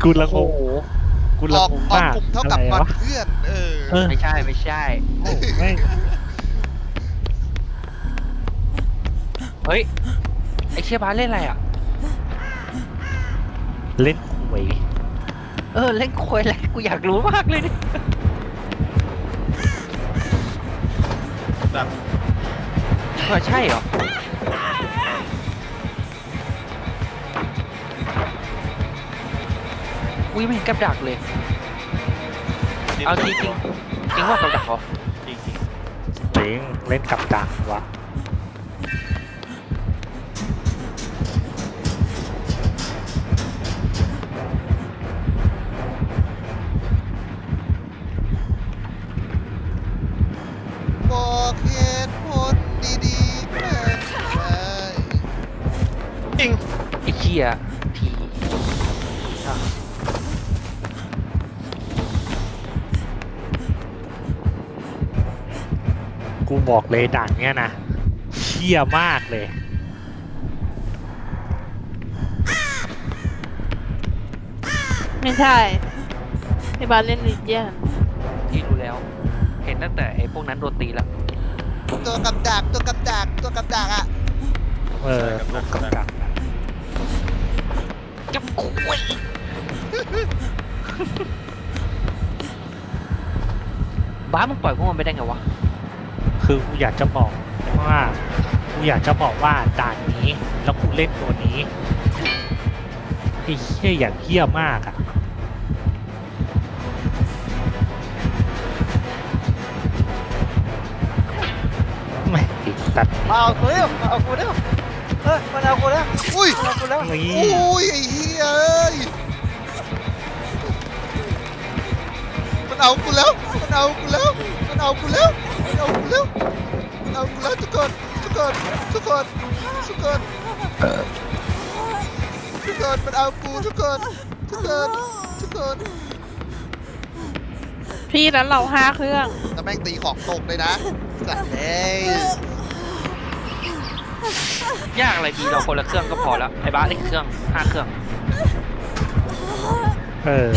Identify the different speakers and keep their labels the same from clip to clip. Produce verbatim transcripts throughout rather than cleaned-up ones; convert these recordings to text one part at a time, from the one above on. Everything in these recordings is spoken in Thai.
Speaker 1: กูละง
Speaker 2: โอ้
Speaker 1: ง
Speaker 2: โห
Speaker 1: กู
Speaker 3: อ
Speaker 1: ละ
Speaker 3: อก
Speaker 1: งง
Speaker 3: ออก
Speaker 1: มาก
Speaker 3: กลุ่มเท่ากับ
Speaker 1: อะไร
Speaker 3: งอน
Speaker 1: วะ
Speaker 3: เพื่อนเออ
Speaker 1: เออ
Speaker 2: ไม่ใช่ไม่ใช่
Speaker 1: โอ้แม่ง
Speaker 2: เฮ้ยไอเชี่ยบ้านเล่นอะไรอ่ะ
Speaker 1: เล่นหวย
Speaker 2: เออเล่นควยอะไรกูอยากรู้มากเลยดิ
Speaker 3: แบบ
Speaker 2: เออใช่เหรออุ้ยไม่เห็นกับดักเลยเอาจริงจริงจริงว่ากับดักเหรอ
Speaker 3: จริง
Speaker 1: เล่นเล่นกับดักวะ
Speaker 3: ๆบอกเหตุผลดีๆแม่งได้จริง
Speaker 2: ไอเชี่ยทีอ่ะ
Speaker 1: กูบอกเลยด่านเนี้ยนะเชี่ยมากเลย
Speaker 4: ไม่ใช่พี่บาสเล่นลีเจียน
Speaker 2: ที่รู้แล้ว เห็นตั้งแต่ไอพวกนั้นโดนตีแล้ว
Speaker 3: ตัวกับดักตัวกับดักตัวกับดักอ่ะ
Speaker 1: เออลงกับดักอะ
Speaker 2: จับคุยบ้ามึงปล่อยพวกมันไปได้ไงวะ
Speaker 1: คือกูอยากจะบอกว่ากูอยากจะบอกว่าด่านนี้แล้วกูเล่นตัวนี้ไอ้เหี้ยอย่างเหี้ยมากอ่ะไม่ติดตัด
Speaker 2: เอากูเร็วเอากูเร็วเออมันเอากูแล้ว
Speaker 3: อุ้ย
Speaker 2: เอากูแล้ว
Speaker 1: นี่
Speaker 3: อุ้ยไอ้เหี้ยเอ้ยมันเอากูแล้วมันเอากูแล้วมันเอากูแล้วมันเอากูแล้วมันเอากูแล้วทุกคนทุกคนทุกคนทุกคนทุกคนมันเอากูทุกคนทุกคนทุกคน
Speaker 4: พี่นั้นเราห้าเครื่อง
Speaker 3: แล้วแม่งตีของตกเลยนะสัตว์เอ้ย
Speaker 2: ยากอะไรดีเราคนละเครื่องก็พอแล้วไอ้บ้าสได้เครื่องห้าเครื่อง
Speaker 1: เออ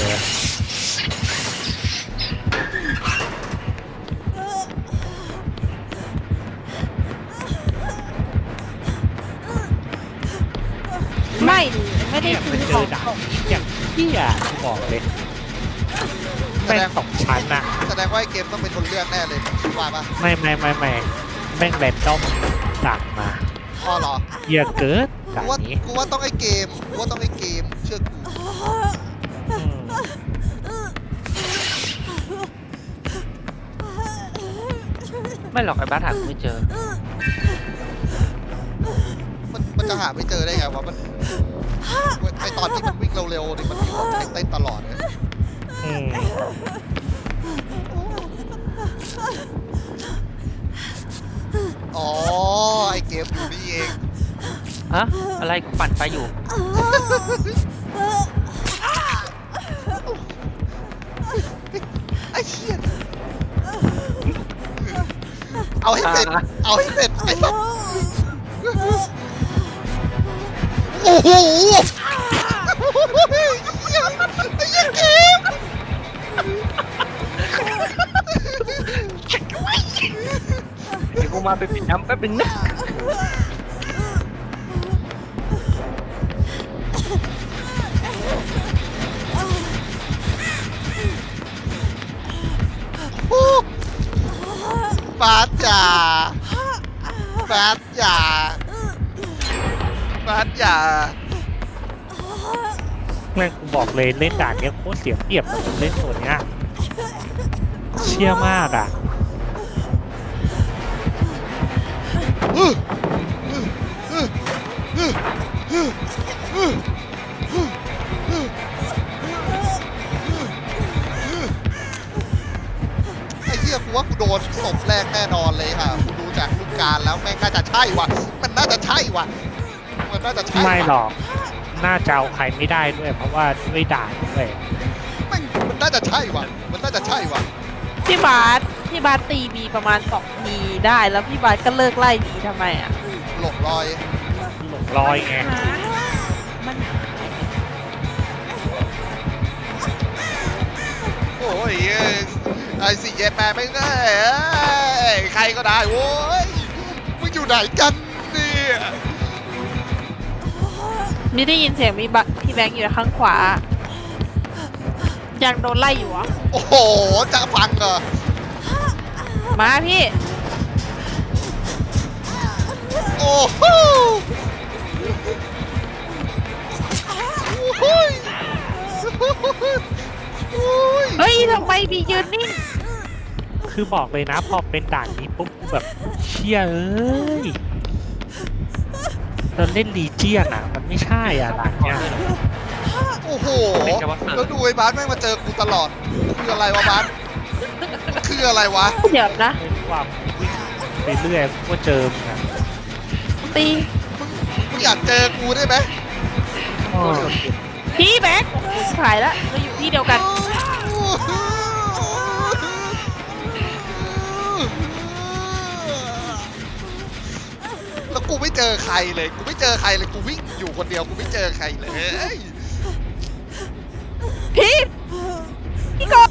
Speaker 4: ไม่ไม่ได้
Speaker 1: เนี่ย
Speaker 4: ซื้
Speaker 1: มัน
Speaker 4: อ
Speaker 1: เจ
Speaker 4: ขอ
Speaker 1: อง ด่านนี้อย่างเหี้ยกูบอกเลยแม่งสองชั้นอะ
Speaker 3: แสดงว่าไอ้เกมต้องเป็นคนเลือกแน่เลยคิดว่าปะ
Speaker 1: ไม่ไม่ไม่ไม่แม่งแรนดอมด่านมา
Speaker 3: อ๋อเหรอ
Speaker 1: เหี้ยเกิด
Speaker 3: กู
Speaker 1: ด่าน
Speaker 3: ว่า
Speaker 1: นี้
Speaker 3: กูว่าต้องไอ้เกมกูว่าต้องไอ้เกมเชื่อกู
Speaker 1: อืม
Speaker 2: ไม่หรอกไอ้บ้าสหากูไม่เจอ
Speaker 3: มันมันจะหาไม่เจอได้ไงวะมันไอตอนที่มันวิ่งเร็วๆนี่มันมีคนเต้นตลอดเลย
Speaker 1: อืม
Speaker 3: อ๋อไอเกมอยู่นี่เอง
Speaker 2: ฮะ อะไรกูปั่นไฟอยู่
Speaker 3: ไอ้เหี้ยเอาให้เป็ดเอาให้เป็ดไอ้สัสโอ้โหไอ้เหี้ยไอ้เหี้ยเกม
Speaker 2: เดี๋ยวกูมาไปปิดน้ำแป๊บนึงนะ
Speaker 3: ฟาดจ่าฟาดจ่าฟาดจ่า
Speaker 1: แม่งกูบอกเลยเล่นด่านเนี้ยโคตรเสียเปรียบกับเล่นตัวเนี้ยเชี่ยมากอ่ะ
Speaker 3: ไอ้เหี้ยกูว่ากูโดนศพแรกแน่นอนเลยค่ะกูดูจากรูปการแล้วแม่งน่าจะใช่ว่ะมันน่าจะใช่ว่ะมันน่าจะใช่ว่ะ
Speaker 1: ไม่หรอกน่าจะเอาใครไม่ได้ด้วย เพราะว่าด้วยด่านด้วย
Speaker 3: แม่งมันน่าจะใช่ว่ะมันน่าจะใช่ว่ะ
Speaker 4: พี่บาสพี่บาสตีบีประมาณสองทีได้แล้วพี่บาสก็เลิกไล่บีทำไมอ่ะ
Speaker 3: หลงรอย
Speaker 1: หลงลอยไง
Speaker 4: มัน
Speaker 3: ยไอ้สี่เย็ดแม่ไม่ได้เอ้ยใครก็ได้โว้ยมึงอยู่ไหนกันเนี่ย
Speaker 4: มีได้ยินเสียงมีบะพี่แบงค์อยู่ข้างขวา ยังโดนไล่อยู่เหรอ
Speaker 3: โอ้โหจะฟังเหรอ
Speaker 4: มาพี่
Speaker 3: โอ้โหโอ้ยโอ้ย
Speaker 4: เฮ้ยทำไมบียืนนิ่ง
Speaker 1: คือบอกเลยนะพอเป็นด่านนี้ปุ๊บกูแบบเชี่ยเอ้ยเราเล่นลีเจียนอ่ะมันไม่ใช่อ่ะด่านเนี้ย
Speaker 3: โอ้โหแล้วดูไอ้บาสแม่งมาเจอกูตลอดคืออะไรวะบาสคืออะไรวะ
Speaker 4: เดี๋ยวนะ
Speaker 1: เล่นความวิ่งไปเรื่อยก็เจอมึงอ่ะ
Speaker 4: ตี
Speaker 3: มึงอยากเจอกูได้ไหม
Speaker 1: อ้อ
Speaker 4: พี่แบงค์โอ้โหขายแล้วเราอยู่ที่เดียวกัน
Speaker 3: แล้วกูไม่เจอใครเลย กูไม่เจอใครเลย กูวิ่งอยู่คนเดียว กูไม่เจอใครเลย
Speaker 4: พี่ พี่กบ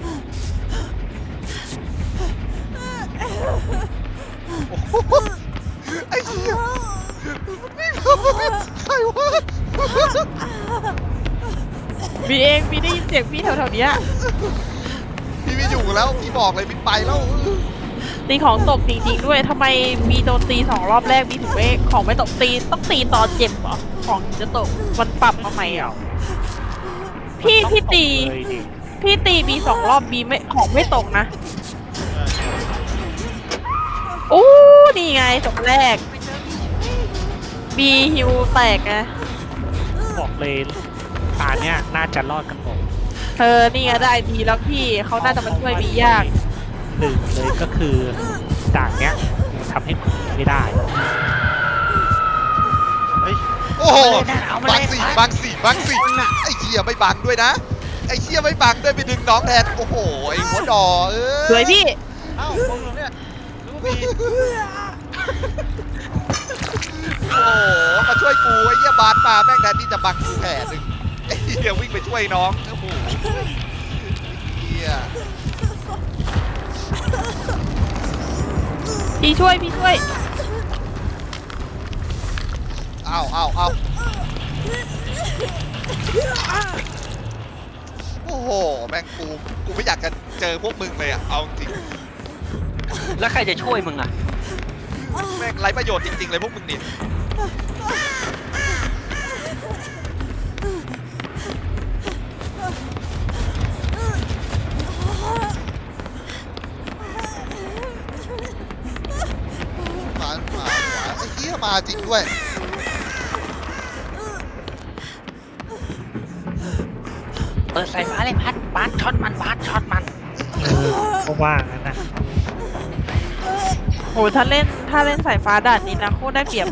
Speaker 3: โอ้โหไอ้เหี้ยใครวะ
Speaker 4: บีเองบีได้ยินเสียงพี่แถวๆเนี้ย
Speaker 3: พี่ไม่อยู่แล้ว พี่บอกเลยพี่ไปแล้ว
Speaker 4: ตีของตกจริงๆด้วยทำไมมีโดนตีสองรอบแรกมีถึงไม่ของไม่ตกตีต้องตีตอนเจ็บเหรอของถึงจะตกมันปรับมาใหม่เหรอพี่พี่ตี
Speaker 1: เลยดิ
Speaker 4: พี่ตีบีสองรอบบีไม่ของไม่ตกนะโอ้นี่ไงจบแรกบีฮิวแตกไง
Speaker 1: บอกเลยตาเนี้ยน่าจะรอดกันหมด
Speaker 4: เออนี่ไงได้บีแล้วพี่เขาน่าจะมาช่วยบียาก
Speaker 1: หนึ่งเลยก็คือด่านเนี้ยทำให้มึงไม่ได้
Speaker 3: โอ้โหบังสี่บังสี่บังสี่ไอ้เหี้ยไม่บังด้วยนะ ไอ้เหี้ยไม่บังด้วยไปดึงน้องแทน โอ้โห ไอ้หัวดอเออ
Speaker 4: สวยพี่
Speaker 2: เอ้าพวกเราเนี่ยรู้ว่ามี
Speaker 3: โอ้โห มาช่วยกูไอ้เหี้ยบาสมาแม่งแทนที่จะบังกูแผลหนึ่งไอ้เหี้ยวิ่งไปช่วยน้อง โอ้โหเหี้ย
Speaker 4: พี่ช่วยพี่ช่วย
Speaker 3: เอาเอาเอาโอ้โห แม่งกู กูไม่อยากจะเจอพวกมึงเลยอะเอาจริง
Speaker 2: แล้วใครจะช่วยมึงอ่ะ
Speaker 3: แม่งไร้ประโยชน์จริงๆเลยพวกมึงนี่มามาไอ้เหี้ยมาจริงด้วย
Speaker 2: เปิดสายฟ้าเลยพัดบาสช็อตมันบาสช็อตมัน
Speaker 1: เออก็ว่างั้นนะ
Speaker 4: โหถ้าเล่นถ้าเล่นสายฟ้าด่านนี้นะโคตรได้เปรียบอะ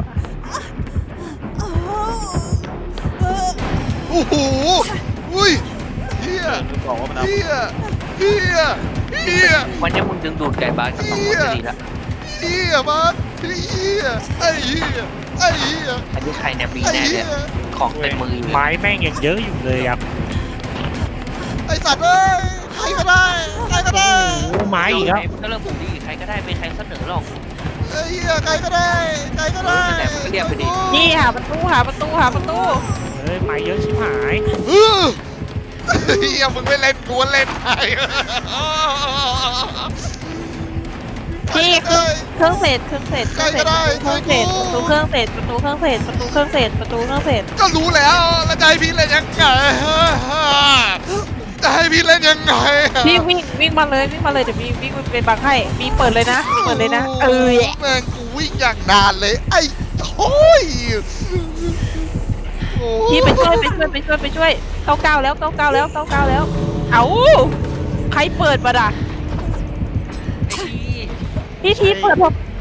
Speaker 3: โอ้โหอุ้ยเฮีย
Speaker 2: บอกว่ามันเอา
Speaker 3: เฮียเฮียเฮีย
Speaker 2: วันนี้มึงดึงดูดไก่บาสกับสองคนจะดีละ
Speaker 3: เฮียมันเฮียไอ้เฮียไอ้เฮีย
Speaker 2: อันนี้ใครเนี่ยบี
Speaker 3: ไอ้
Speaker 2: แน่
Speaker 3: เฮี
Speaker 2: เนี่ย ยของเต็มมืออยู่เลย
Speaker 1: ไม้แม่งยังเยอะอยู่เลยอ่ะ
Speaker 3: ไอ้สัตว์เอ้ยใครก็ได้ใครก็ได้
Speaker 1: โอ้ไม้อีกแล้ว
Speaker 2: ก็เริ่มบูลลี่ใครก็ได้ไม่ใครเสนอหรอก
Speaker 3: ไอ้เฮียใครก็ได้ใครก็ได้
Speaker 2: เออนั่นแหละมันก็เรียกไปดิ
Speaker 4: นี่หาประตูหาประตูหาประตู
Speaker 1: เฮ้ยไม้เยอะชิบหาย
Speaker 3: เออเฮียมึงไม่เล่นกูเล่นไง
Speaker 4: พี่เครื่องเครื่องเศษเครื่องเศษเครื่องเศษเครื่องเศษประตูเครื่องเศษประตูเครื่องเศษประตูเครื่องเศษประตูเครื่องเศษ
Speaker 3: ก็รู้แล้วแล้วจะให้พี่เล่นยังไงจะให้พี่เล่นยังไง
Speaker 4: พี่วิ่งวิ่งมาเลยวิ่งมาเลยเดี๋ยวมีวิ่งเป็นบังให้มีเปิดเลยนะเปิดเลยนะเออ
Speaker 3: แม่งกูวิ่งอย่างนานเลยไอ้โอ้ย
Speaker 4: พี่ไปช่วยไปช่วยไปช่วยไปช่วยเก้าเก้าแล้วเก้าเก้าแล้วเก้าเก้าแล้วเอาใครเปิดมาด่ะ
Speaker 2: ไอ้ดี
Speaker 4: พี่ทีเปิดผม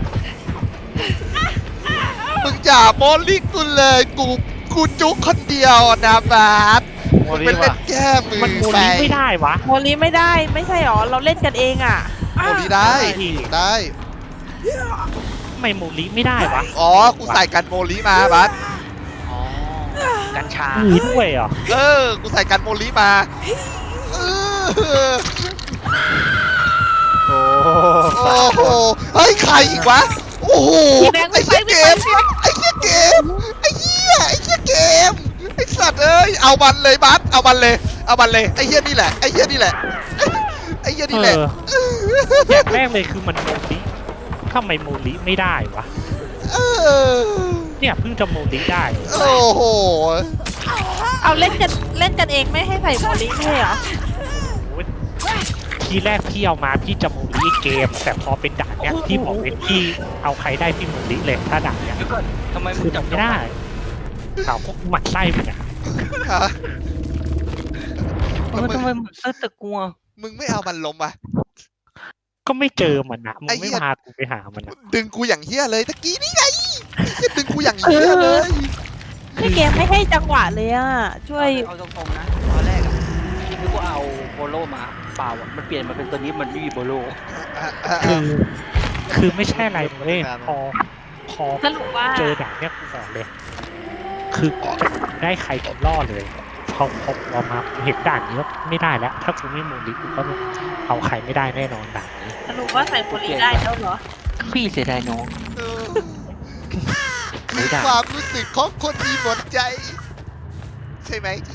Speaker 3: มึงอย่าโมลิกูเลยกูกูจุกคนเดียวนะบาสมึงเป็นเล่นแก้มือ
Speaker 1: มันโม
Speaker 3: ไป
Speaker 1: ลิไม่ได้วะ
Speaker 4: โมลีไม่ได้ไม่ใช่หรอเราเล่นกันเองอ่ะ
Speaker 3: โมลิได้ได้
Speaker 1: ทำไมโมลิไม่ได้วะ
Speaker 3: อ๋อกูใส่กันโมลิมาบาส
Speaker 2: อ๋อกัญชา
Speaker 1: มีด้วยเหรอ
Speaker 3: เออกูใส่กันโมลิมาเออโอ้โหเฮ้ยใครอีกวะโอ้โหไอ้เหี้ยเกมไอ้เหี้ยเกมไอ้เหี้ยไอ้เหี้ยเกมไอ้สัตว์เอ้ยเอามันเลยบัสเอามันเลยเอามันเลยไอ้เหี้ยนี่แหละไอ้เหี้ยนี่แหละไอ้เหี้ยนี่แหละ
Speaker 1: อย่างแรกเลยคือมันโมลิทำไมโมลิไม่ได้วะ
Speaker 3: เออ
Speaker 1: เนี่ยเพิ่งจะโมลิได้
Speaker 3: โอ้โห
Speaker 4: เอาเล่นกันเล่นกันเองไม่ให้ใส่โมลิไม่ใช่เหรอ
Speaker 1: โอ้ยทีแรกพี่เอามาพี่จะโมลิเกม แต่พอเป็นด่านเนี้ยพี่บอกเลยพี่เอาใครได้พี่โมลิเลยถ้าด่านเนี้ย
Speaker 2: เดี๋ยวก่อนทำไมมึ
Speaker 1: คื
Speaker 2: ง
Speaker 1: อ
Speaker 2: จับ
Speaker 1: จำไม่ได้ถามพวกหมัดไส้มึงอะ
Speaker 3: ฮะ
Speaker 2: เออทำไมมึงซื้อตะกัว
Speaker 3: มึงไม่เอามันล้มอ่ะ
Speaker 1: ก็ไม่เจอมันนะมึง
Speaker 3: ไอ้เหี้
Speaker 1: ไม่
Speaker 3: ย
Speaker 1: พากูไปหามันนะ
Speaker 3: ดึงกูอย่างเฮี้ยเลยตะกี้นี่ไงดึงกูอย่างเฮี้ยเลย
Speaker 4: คือเกมไม่ให้จังหวะเลยอ่ะ ช่วย
Speaker 2: เอาตรงๆนะตอนแรกอะนึกว่าเอาโบโลมาเปล่าอะมันเปลี่ยนมาเป็นตัวนี้มันไม่มีโบโล
Speaker 1: คือคือไม่ใช่อะไรเว้ยพอพอ
Speaker 4: สรุปว่า
Speaker 1: เจอด่านเนี้ยกูบอกเลย คือกูจะได้ใครกูล่อเลยพอพอพอมาเห็นด่านนี้ว่าไม่ได้แล้ว ถ้ากูไม่โมลิกูก็เอาใครไม่ได้แน่นอนด่านนี้
Speaker 4: สรุปว่าใส่โมลิได้แล้วเหรอ
Speaker 2: พี่เสียดายน้อง
Speaker 3: เออ
Speaker 2: ไม่ได้
Speaker 3: ความรู้สึกของคนมีหมดใจ ใช่ไหมที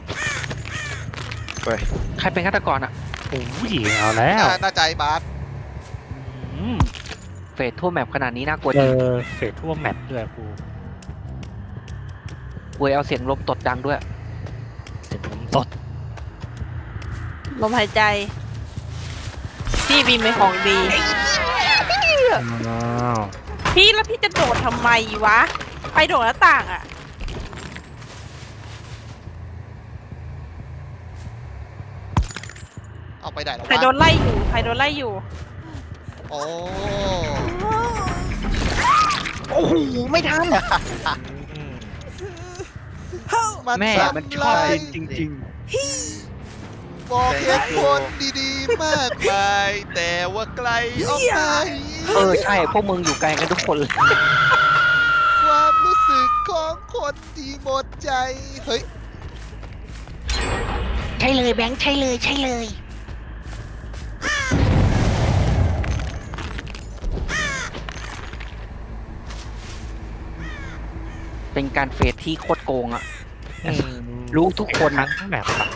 Speaker 2: ใครเป็นฆาตกรอ่ะ
Speaker 1: โอ้ยเอาแล้ว
Speaker 3: น่าน่าใจบาส
Speaker 1: อืม
Speaker 2: เฟสทั่วแมปขนาดนี้น่ากลัว
Speaker 1: เจ
Speaker 2: จริง
Speaker 1: อเฟสทั่วแมปด้วยกู
Speaker 2: เวยเอาเสียงลมตดดังด้วย
Speaker 1: เสียงลมตด
Speaker 4: ลมหายใจ พี่บีมเป็นของดี
Speaker 1: อ้าว
Speaker 4: พี่แล้วพี่จะโดดทำไมวะ ไปโดดหน้าต่างอ่ะ
Speaker 3: เอาไปไหนแล้ว
Speaker 4: ใครโด
Speaker 3: วะ
Speaker 4: นไล่อยู่ ใครโดนไล่อยู่
Speaker 3: โอ้
Speaker 2: โอ้โหไม่ทัน
Speaker 1: อืม
Speaker 3: มัน
Speaker 2: แม่
Speaker 3: ทำ
Speaker 2: มันชอบ
Speaker 3: ลาย
Speaker 2: จริงจริง
Speaker 3: บอกเหตุผลดีๆ มากมาย แต่ว่าไกลออกไป
Speaker 2: ๆเออใช่พวกมึงอยู่ไกลกันทุกคนเลย
Speaker 3: ความรู้สึกของคนที่หมดใจ เฮ้ย
Speaker 2: ใช่เลยแบงค์ใช่เลยใช่เลย เป็นการเฟสที่โคตรโกงอ่ะ
Speaker 1: อืม
Speaker 2: รู้ทุกคน
Speaker 1: ทั้
Speaker 2: นะ
Speaker 1: งแบบอะ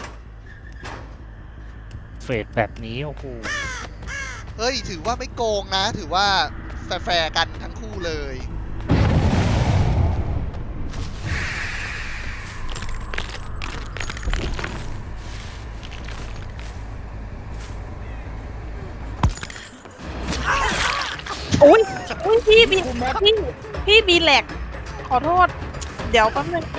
Speaker 1: เฟสแบบนี้โอ้โห
Speaker 3: เฮ้ย ถือว่าไม่โกงนะ ถือว่าแฟร์ๆกันทั้งคู่เลย
Speaker 4: อุ้ยอุ้ยพี่บีพี่พี่บีแหลก ขอโทษ เดี๋ยวแป๊บนึง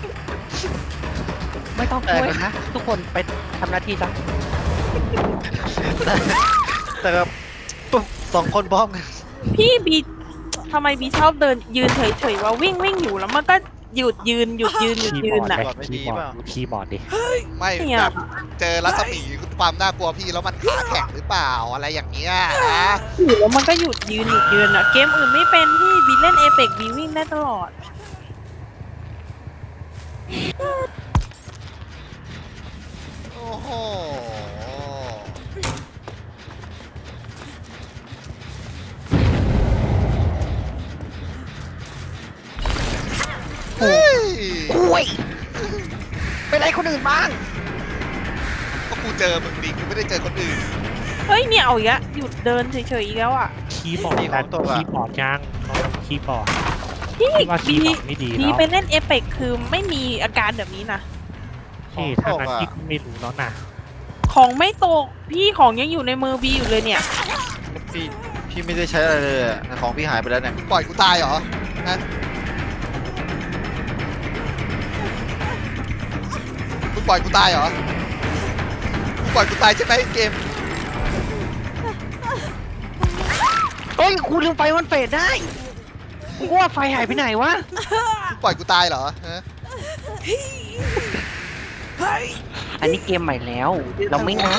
Speaker 2: ไม่ต้องช่วยนะ ทุกคนไปทำหน้าที่ซะ
Speaker 5: แต่แบบปุ๊บสองคนพร้อมกัน
Speaker 4: พี่บีทำไมบีชอบเดินยืนเฉยๆว่าวิ่งวิ่งอยู่แล้วมันก็หยุดยืนหยุดยืนหยุด
Speaker 1: คีย์
Speaker 4: ยื
Speaker 1: บอน ร์ด
Speaker 4: อ่ะ
Speaker 1: เลยคีย์บอร์ดดูคีย์บอร์ดดิ
Speaker 3: ไม่
Speaker 4: เนี่ย
Speaker 3: แบบเจอรัศมีความน่ากลัวพี่แล้วมันขาแข็งหรือเปล่าอะไรอย่างเงี้ยนะ
Speaker 4: อยู่แล้วมันก็หยุดยืนหยุดยืนอ่ะ เกมอื่นไม่เป็นพี่บีเล่นเอเปกบีวิ่งได้ตลอด
Speaker 3: โอ้โหเฮ้ย
Speaker 2: คุยไปไล่คนอื่นบ้าง
Speaker 3: ก็กูเจอมึงดิกูไม่ได้เจอคนอื่น
Speaker 4: เฮ้ยเนี่ยเอาอีกแล้วหยุดเดินเฉยๆอีกแล้วอ่ะ
Speaker 1: คีย์บอร์ดดันคีย์บอร์ดยังลองคีย์บอร์ด
Speaker 4: พี่
Speaker 1: คิดว่าคี
Speaker 4: บี
Speaker 1: ย์บอร์ดไม่ดี
Speaker 4: บี
Speaker 1: แล้ว
Speaker 4: ไปเล่นเอเปกคือไม่มีอาการแบบนี้นะ
Speaker 1: พี่ถ้างั้นพี่ก็ไม่รู้แล้วนะ
Speaker 4: ของไม่ตกพี่ของยังอยู่ในมือบีอยู่เลยเนี่ย
Speaker 5: พี่พี่ไม่ได้ใช้อะไรเลยอะของพี่หายไปแล้วเนี่ย
Speaker 3: ปล่อยกูตายเหรอนะมึงปล่อยกูตายเหรอมึงปล่อยกูตายใช่ไหมเกม
Speaker 2: เฮ้ยคุณลืมไฟมันเฟดได้กูว่าไฟหายไปไหนวะ
Speaker 3: มึงปล่อยกูตายเหรอฮะ
Speaker 2: อันนี้เกมใหม่แล้ว เราไม่นะ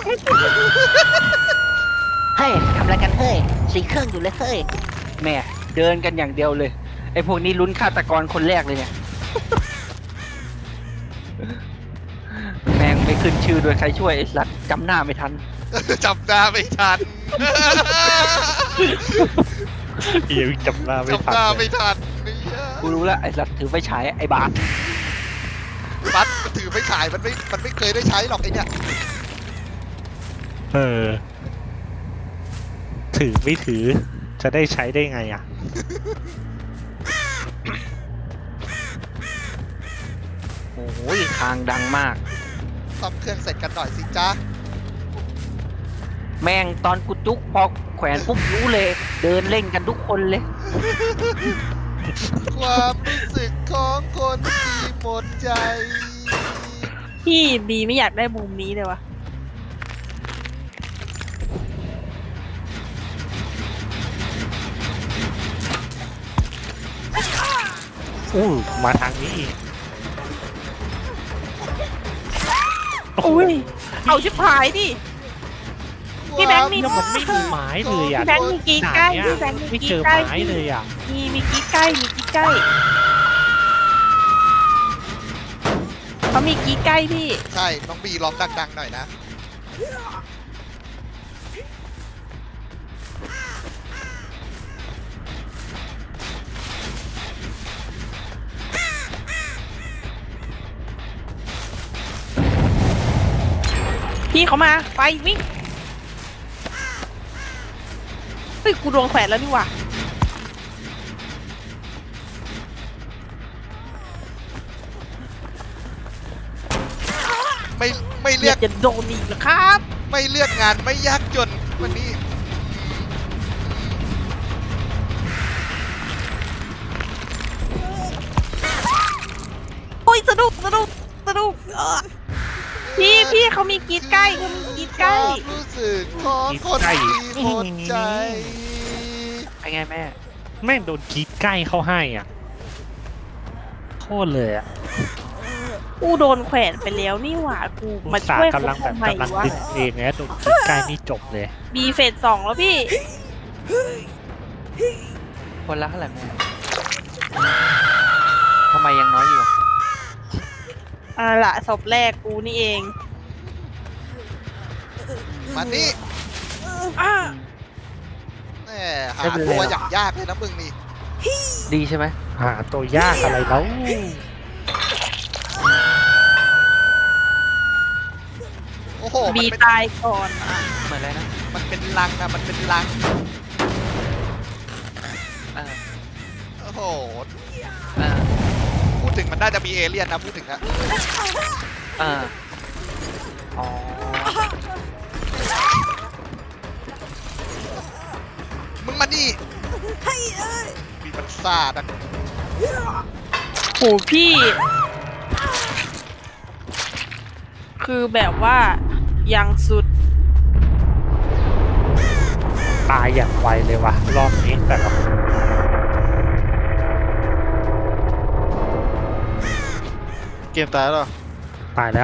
Speaker 2: เฮ้ยทำอะไรกันเฮ้ยสีเครื่องอยู่เลยเฮ้ยแม่เดินกันอย่างเดียวเลย ไอ้พวกนี้ลุ้นฆาตกรคนแรกเลยเนี่ย แม่งไม่ขึ้นชื่อโดยใครช่วยไอ้สัตว์จำหน้าไม่ทัน
Speaker 3: จำหน้าไม่ทัน
Speaker 1: เฮียจำหน้าไม่
Speaker 3: จำ
Speaker 1: ทั
Speaker 3: หน้าน
Speaker 1: เล
Speaker 3: ไม่
Speaker 1: ย
Speaker 3: ทันเนี่ย
Speaker 2: กูรู้แล้วไอ้สัตว์ถือไฟฉายไอ้บาส
Speaker 3: บัสมันถือไม่ขายมันไม่มันไม่เคยได้ใช้หรอกไอ้เนี่ย
Speaker 1: เออ ถือไม่ถือจะได้ใช้ได้ไงอ่ะ
Speaker 2: โอ้ยคางดังมาก
Speaker 3: ซ่อมเครื่องเสร็จกันหน่อยสิจ๊ะ
Speaker 2: แม่งตอนกูจุกพอแขวนปุ๊บรู้เลย เดินเล่นกันทุกคนเลย
Speaker 3: ความรู้สึกของคนที่หมดใจ
Speaker 4: พี่บีไม่อยากได้มุมนี้เลยวะ
Speaker 1: อู้มาทางนี้อีก
Speaker 4: อุ้ยเอาชิบหายดิ พี่แบงค์มี
Speaker 1: แล้วมันไม่มีไม้เลยอ่ะ
Speaker 4: พี่แบงค์มีกรีดใกล้พี่แบงค์มี
Speaker 1: ไม่
Speaker 4: กรี
Speaker 1: เจ
Speaker 4: ด
Speaker 1: อ
Speaker 4: ใกล้
Speaker 1: ไม้เลยอ่ะ
Speaker 4: มีมีกรีดใกล้มีกรีดใกล้เขามีกรีดใกล้พี่
Speaker 3: ใช่น้องบีร้องดังๆหน่อยนะ
Speaker 4: พี่เขามาไปวิ่งเฮ้ยกูโดนแขวนแล้วนี่หว่า
Speaker 3: ไม่ไม่
Speaker 4: อ
Speaker 3: เรีย
Speaker 4: ยาก กจะโดนอีกเหรอครับ
Speaker 3: ไม่เลือกงานไม่ยากจนวันนี้
Speaker 4: โอ้ยสนุกสนุกสนุกเออพี่พี่เขามีกรีดใกล้เขามีกรีด
Speaker 3: ค
Speaker 4: ใกล้
Speaker 3: วามรู้สึกของคนที่หมดใจ
Speaker 2: ไอ้ไงแม่
Speaker 1: แม่งโดนกรีดใกล้เข้าให้อ่ะโคตรเลยอ่ะ
Speaker 4: กูโดนแขวนไปแล้วนี่หว่ากู
Speaker 1: อุ
Speaker 4: มา
Speaker 1: ตส่า
Speaker 4: ช่วย
Speaker 1: ห์กำลังแบบ
Speaker 4: ทำไม
Speaker 1: กำลัง
Speaker 4: วะ
Speaker 1: ดึงเองนะโดนกรีดใกล้นี่จบเลย
Speaker 4: บีเฟสสองแล้วพี่
Speaker 2: คนละเท่าไหร่แม่ทำไมยังน้อยอยู่
Speaker 4: อ่าละศพแรกกูนี่เอง
Speaker 3: มานี่
Speaker 4: อ้า
Speaker 3: แหมหาตัวอย่างยากเลยนะมึงนี่
Speaker 2: ดีใช่ไหม
Speaker 1: หาตัวยากอะไรแล้ว
Speaker 3: โอ้โหมัน
Speaker 4: บี
Speaker 3: เป็น
Speaker 4: ตายก่อนอ่ะ
Speaker 2: เหมือนอะไรนะ
Speaker 3: มันเป็นลังนะมันเป็นลัง
Speaker 2: เออ
Speaker 3: โอ้โห
Speaker 2: เออ
Speaker 3: พูดถึงมันน่าจะมีเอเลี่ยนนะพูดถึงอะ
Speaker 2: เอออ๋อ
Speaker 3: มึงมานี่มีมันซาดอะ
Speaker 4: โหพี่ คือแบบว่ายังสุด
Speaker 1: ตายอย่างไวเลยว่ะรอบนี้แต่ละคน
Speaker 5: เกมตายแล้วเหรอ
Speaker 1: ตายแล้ว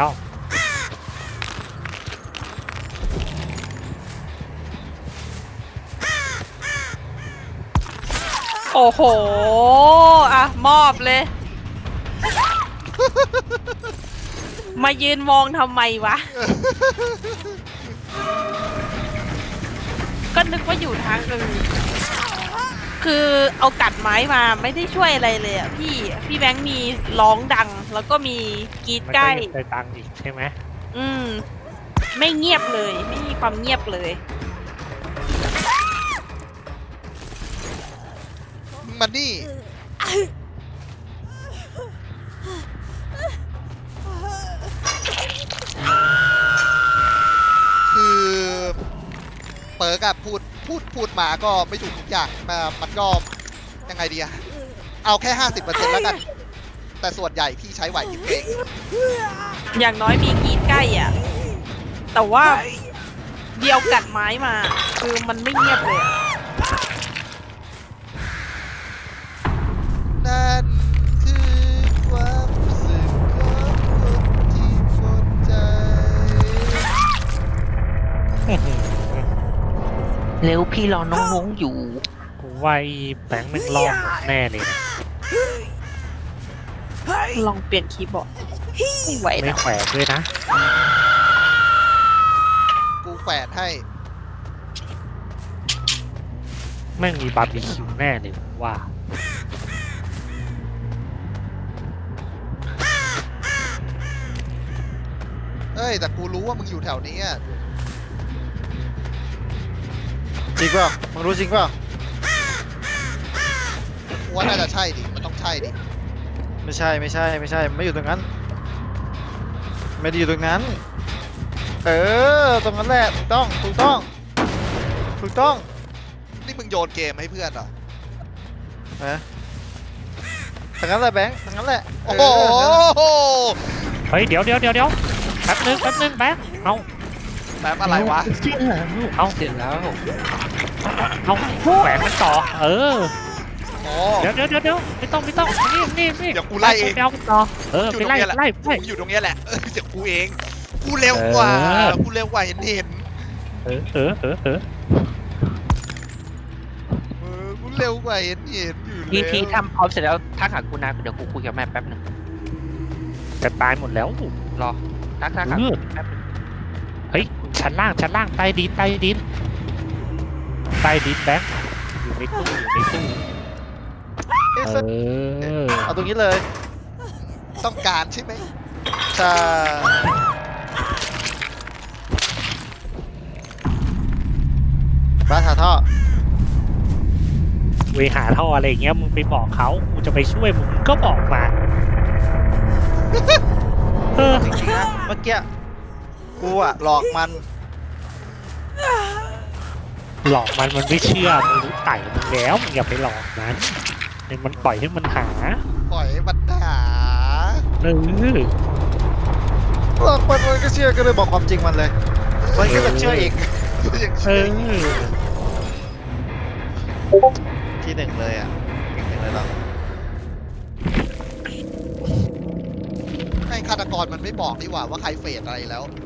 Speaker 4: โอ้โห อ่ะ มอบเลย มายืนมองทำไมวะ ก็นึกว่าอยู่ทางอื่น คือเอากัดไม้มาไม่ได้ช่วยอะไรเลยอ่ะพี่ พี่แบงค์มีร้องดัง แล้วก็มีกรีด
Speaker 1: มัน
Speaker 4: ใก
Speaker 1: ก็
Speaker 4: ล้
Speaker 1: ยังได้ตังค์อีกใช่ไหม
Speaker 4: อืม ไม่เงียบเลย ไม่มีความเงียบเลย
Speaker 3: มึงมานี่ คือเปิร์กอะพูดพูดพูดมาก็ไม่ถูกทุกอย่างมามันก็ยังไงดีอะเอาแค่ห้าสิบเปอร์เซ็นต์แล้วกัน แต่ส่วนใหญ่พี่ใช้ไหวพริบเอง
Speaker 4: อย่างน้อยมีกรีดใกล้อ่ะ แต่ว่าเดียวกัดไม้มา คือมันไม่เงียบเลยอะ
Speaker 3: นั่นคือความรู้สึกของคนที่หมดใจ
Speaker 2: เร็วพี่รอน้องๆอยู่
Speaker 1: กูว่าไอ้แบงค์แม่งรอบหมดแน่เลยนะ
Speaker 4: ลองเปลี่ยนคีย์บอร์ดไม่ไหว
Speaker 1: ไม่
Speaker 4: แล้ว
Speaker 1: แขวนด้วยนะ
Speaker 3: แขวนให้
Speaker 1: แม่งมีบาร์บีคิวแน่เลยผมว่า
Speaker 3: เอ้ยแต่กูรู้ว่ามึงอยู่แถวนี้อะ
Speaker 5: จริงเปล่ามึงรู้จริงเปล่า
Speaker 3: กูว่าน่าจะใช่ดิมันต้องใช่ดิ
Speaker 5: ไม่ใช่ไม่ใช่ไม่ใช่ไม่อยู่ตรงนั้น ไม่ได้อยู่ตรงนั้น เออตรงนั้นแหละถูกต้องถูกต้องถูกต้อง
Speaker 3: นี่มึงโยนเกมให้เพื่อนเหรอ
Speaker 5: นะทางนั้นแหละแบงค์ทางนั้นแหละ
Speaker 3: โอ้โห
Speaker 5: เออ
Speaker 1: เฮ้ยเดี๋ยวเดี๋ยวเดี๋ยวเดี๋ยวแป๊บนึงแป๊บนึงแบ๊กเอา
Speaker 3: แป๊บอะไรวะ
Speaker 1: เอา
Speaker 2: เสร็จแล้ว
Speaker 1: เอาแขวนมันต่อ เออ
Speaker 3: โอ้
Speaker 1: เดี๋ยวเดี๋ยวเดี๋ยวเดี๋ยวไม่ต้องไม่ต้องนี่นี่นี่
Speaker 3: เดี๋ยวกูไล่เอง
Speaker 1: ไปเอามันต่อเออ
Speaker 3: อยู่
Speaker 1: ไป
Speaker 3: ตรง
Speaker 1: ไล่
Speaker 3: เนี้ยแหละ
Speaker 1: ไล่ไล่
Speaker 3: กูอยู่ตรงเนี้ยแหละเออเดี๋ยวกูเอง กูเร็วกว่า
Speaker 1: เออ
Speaker 3: กูเร็วกว่าเห็นเห็น
Speaker 1: เออเออเออเออ
Speaker 3: เออกูเร็วกว่าเห็นเห็นอยู่
Speaker 2: พี่
Speaker 3: แล้ว
Speaker 2: พี่ทำพร้อมเสร็จแล้วทักหากูนะเดี๋ยวกูคุยกับแม่แป๊บหนึง
Speaker 1: จะตายหมดแล้ว
Speaker 2: รอทักทักหา
Speaker 1: เออ
Speaker 2: แป๊บหนึง
Speaker 1: เฮ้ยชั้นล่างชั้นล่างใต้ดินใต้ดินใต้ดินแบ๊กอยู่ในตู้อยู่ในตู้
Speaker 5: เอ๊ะ
Speaker 1: เอ
Speaker 5: สัก
Speaker 1: อ
Speaker 5: เอาตรงนี้เลย
Speaker 3: ต้องการใช่ไหม
Speaker 5: ใช่บ้านหาท่อ
Speaker 1: เวหาท่ออะไรอย่างเงี้ยมึงไปบอกเขากูจะไปช่วยมึงก็บอกมา เออ
Speaker 5: จริงๆนะเมื่อกี้กูอะหลอกมัน
Speaker 1: หลอกมันมันไม่เชื่อมึงรู้ไต่มึงแล้วมึงอย่าไปหลอกมันให้มันปล่อยให้มันหา
Speaker 3: ปล่อยให้มันหา
Speaker 1: เออ
Speaker 5: หลอกมันมันก็เชื่อก็เลยบอกความจริงมันเลยมันก็จะเชื่ออีก
Speaker 3: ยัง
Speaker 1: เอ
Speaker 3: เชื่อ
Speaker 1: อ
Speaker 5: ที่หนึ่งเลยอ่ะที่หนึ่งเลยเรา
Speaker 3: ให้ฆาตกรมันไม่บอกดีกว่าว่าใครเฟดอะไรแล้ว